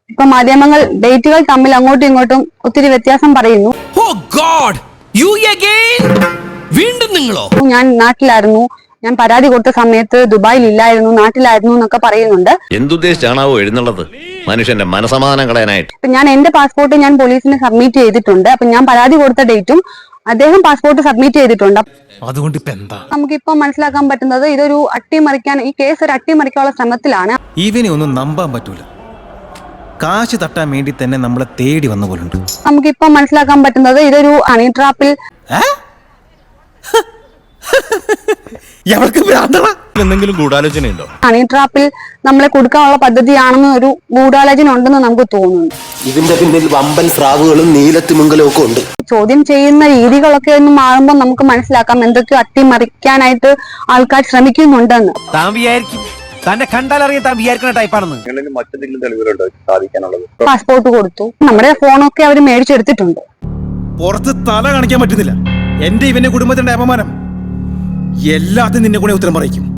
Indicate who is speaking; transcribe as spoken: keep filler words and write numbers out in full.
Speaker 1: ഇപ്പൊ മാധ്യമങ്ങൾ ഡേറ്റുകൾ തമ്മിൽ അങ്ങോട്ടും ഇങ്ങോട്ടും ഒത്തിരി വ്യത്യാസം പറയുന്നു.
Speaker 2: വീണ്ടും നിങ്ങളോ?
Speaker 1: ഞാൻ നാട്ടിലായിരുന്നു, ഞാൻ പരാതി കൊടുത്ത സമയത്ത് ദുബായിൽ ഇല്ലായിരുന്നു, നാട്ടിലായിരുന്നു എന്നൊക്കെ പറയുന്നുണ്ട്.
Speaker 3: എന്തുദ്ദേശിച്ചാണാവോ എഴുന്നള്ളത്? മനുഷ്യന്റെ മനസമാധാനം കളയാനായിട്ട്.
Speaker 1: ഞാൻ എന്റെ പാസ്പോർട്ട് ഞാൻ പോലീസിന് സബ്മിറ്റ് ചെയ്തിട്ടുണ്ട്. അപ്പൊ ഞാൻ പരാതി കൊടുത്ത ഡേറ്റും അദ്ദേഹം പാസ്പോർട്ട് സബ്മിറ്റ് ചെയ്തിട്ടുണ്ട്.
Speaker 2: അതുകൊണ്ട് ഇപ്പൊ എന്താ
Speaker 1: നമുക്കിപ്പോ മനസ്സിലാക്കാൻ പറ്റുന്നത് ഇതൊരു അട്ടിമറിക്കാൻ, ഈ കേസ് ഒരു അട്ടിമറിക്കാനുള്ള ശ്രമത്തിലാണ്.
Speaker 4: ഇവനെ ഒന്നും നമ്പാൻ പറ്റൂല. കാശ് തട്ടാൻ വേണ്ടി തന്നെ നമ്മളെ തേടി വന്ന പോലുണ്ട്.
Speaker 1: നമുക്കിപ്പോ മനസ്സിലാക്കാൻ പറ്റുന്നത് ഇതൊരു ഹണി ട്രാപ്പിൽ
Speaker 3: എന്തെങ്കിലും ഗൂഢാലോചനയുണ്ടോ?
Speaker 1: ഹണി ട്രാപ്പിൽ നമ്മളെ കൊടുക്കാനുള്ള പദ്ധതിയാണെന്ന് ഒരു ഗൂഢാലോചന ഉണ്ടെന്ന് നമുക്ക് തോന്നുന്നു.
Speaker 5: ഇതിന്റെ പിന്നിൽ വമ്പൻ സ്രാവുകളും നീലത്തിമിംഗലവും ഒക്കെ ഉണ്ട്.
Speaker 1: ചോദ്യം ചെയ്യുന്ന രീതികളൊക്കെ ഒന്ന് മാറുമ്പോൾ നമുക്ക് മനസ്സിലാക്കാം എന്തൊക്കെയോ അട്ടിമറിക്കാനായിട്ട് ആൾക്കാർ ശ്രമിക്കുന്നുണ്ടെന്ന്.
Speaker 2: താൻ വിചാരിക്കും തന്നെ കണ്ടാലറിയാൻ താൻ വിചാരിക്കുന്ന ടൈപ്പാണെന്ന്.
Speaker 1: പാസ്പോർട്ട് കൊടുത്തു, നമ്മുടെ ഫോണൊക്കെ അവർ മേടിച്ചെടുത്തിട്ടുണ്ട്.
Speaker 4: പുറത്ത് തല കാണിക്കാൻ പറ്റുന്നില്ല. എന്റെ ഇവന്റെ കുടുംബത്തിന്റെ അപമാനം എല്ലാത്തിനും നിന്നെ കൂടെ ഉത്തരം പറയിക്കും.